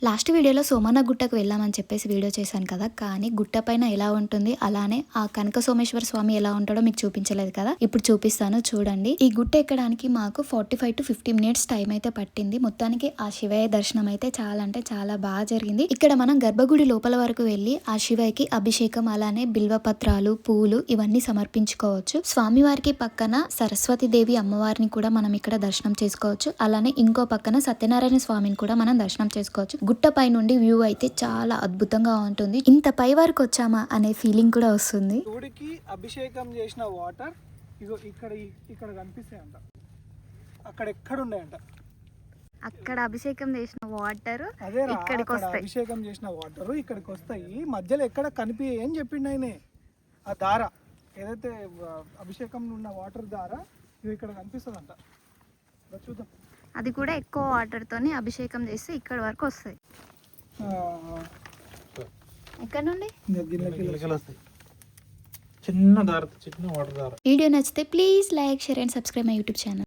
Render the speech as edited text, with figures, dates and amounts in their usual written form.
Last వీడియోలో సోమన్న గుట్టకు వెళ్ళామని చెప్పేసి వీడియో చేశాను కదా, కానీ గుట్ట పైన ఎలా ఉంటుంది అలానే ఆ కనక సోమేశ్వర స్వామి ఎలా ఉంటాడో మీకు చూపించలేదు కదా, ఇప్పుడు చూపిస్తాను చూడండి. ఈ గుట్ట ఎక్కడానికి మాకు 45 to 50 minutes టైం అయితే పట్టింది. మొత్తానికి ఆ శివయ్య దర్శనం అయితే చాలా అంటే చాలా బాగా జరిగింది. ఇక్కడ మనం గర్భగుడి లోపల వరకు వెళ్ళి ఆ శివయ్యకి అభిషేకం అలానే బిల్వపత్రాలు పూలు ఇవన్నీ సమర్పించుకోవచ్చు. స్వామివారికి పక్కన సరస్వతి దేవి అమ్మవారిని కూడా మనం ఇక్కడ దర్శనం చేసుకోవచ్చు. అలానే ఇంకో పక్కన సత్యనారాయణ స్వామిని కూడా మనం దర్శనం చేసుకోవచ్చు. గుట్ట పై నుండి వ్యూ అయితే చాలా అద్భుతంగా ఉంటుంది. ఇంత పై వరకు వచ్చామా అనే ఫీలింగ్ కూడా వస్తుంది. శివుడికి అభిషేకం చేసిన వాటర్ ఇగో ఇక్కడ కనిపిస్తాయంట, అక్కడ ఎక్కడ ఉన్నాయంట. అక్కడ అభిషేకం చేసిన వాటర్ ఇక్కడికి వస్తాయి. అభిషేకం చేసిన వాటర్ ఇక్కడికి వస్తాయి. మధ్యలో ఎక్కడ కనిపి అని చెప్పిండు ఆయనే. ఆ దార ఏదైతే అభిషేకం ఉన్న వాటర్ దార ఇక్కడ కనిపిస్తుందంట. చూద్దాం. అది కూడా ఎక్కువ వాటర్ తోని అభిషేకం చేస్తే ఇక్కడ వరకు వస్తాయి. ఎక్కడ నుండి చిన్న దార, చిన్న వాటర్ దార. వీడియో నచ్చితే please like, share and subscribe my YouTube channel.